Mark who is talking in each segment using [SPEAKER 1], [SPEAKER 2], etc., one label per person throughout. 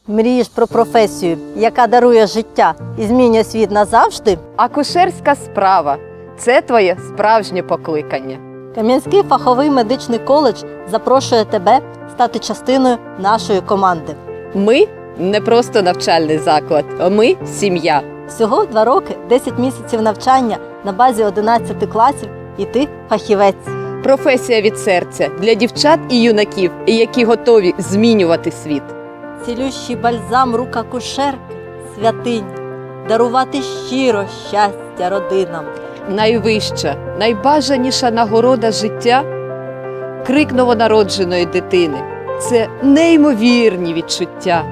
[SPEAKER 1] Мрієш про професію, яка дарує життя і змінює світ назавжди?
[SPEAKER 2] Акушерська справа – це твоє справжнє покликання.
[SPEAKER 1] Кам'янський фаховий медичний коледж запрошує тебе стати частиною нашої команди.
[SPEAKER 2] Ми не просто навчальний заклад, ми – сім'я.
[SPEAKER 1] Всього 2 роки, 10 місяців навчання на базі 11 класів і ти фахівець.
[SPEAKER 2] Професія від серця для дівчат і юнаків, які готові змінювати світ.
[SPEAKER 1] Цілющий бальзам рук акушерки, святинь, дарувати щиро щастя родинам.
[SPEAKER 2] Найвища, найбажаніша нагорода життя – крик новонародженої дитини. Це неймовірні відчуття.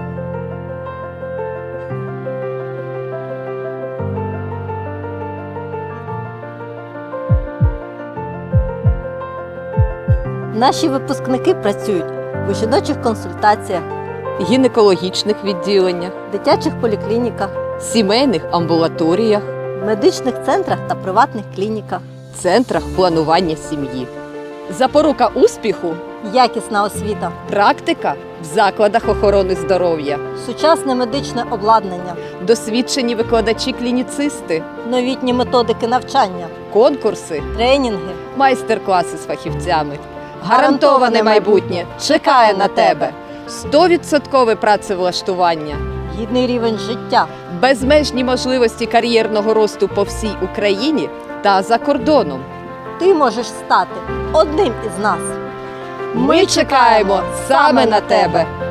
[SPEAKER 1] Наші випускники працюють у жіночих консультаціях,
[SPEAKER 2] Гінекологічних відділеннях,
[SPEAKER 1] дитячих поліклініках,
[SPEAKER 2] сімейних амбулаторіях,
[SPEAKER 1] медичних центрах та приватних клініках.
[SPEAKER 2] центрах планування сім'ї. Запорука успіху –
[SPEAKER 1] Якісна освіта,
[SPEAKER 2] практика в закладах охорони здоров'я,
[SPEAKER 1] сучасне медичне обладнання,
[SPEAKER 2] досвідчені викладачі-клініцисти,
[SPEAKER 1] новітні методики навчання,
[SPEAKER 2] конкурси,
[SPEAKER 1] тренінги.
[SPEAKER 2] майстер-класи з фахівцями. Гарантоване майбутнє чекає на тебе. 100% працевлаштування,
[SPEAKER 1] Гідний рівень життя.
[SPEAKER 2] безмежні можливості кар'єрного росту по всій Україні та за кордоном.
[SPEAKER 1] Ти можеш стати одним із нас.
[SPEAKER 2] Ми чекаємо саме на тебе!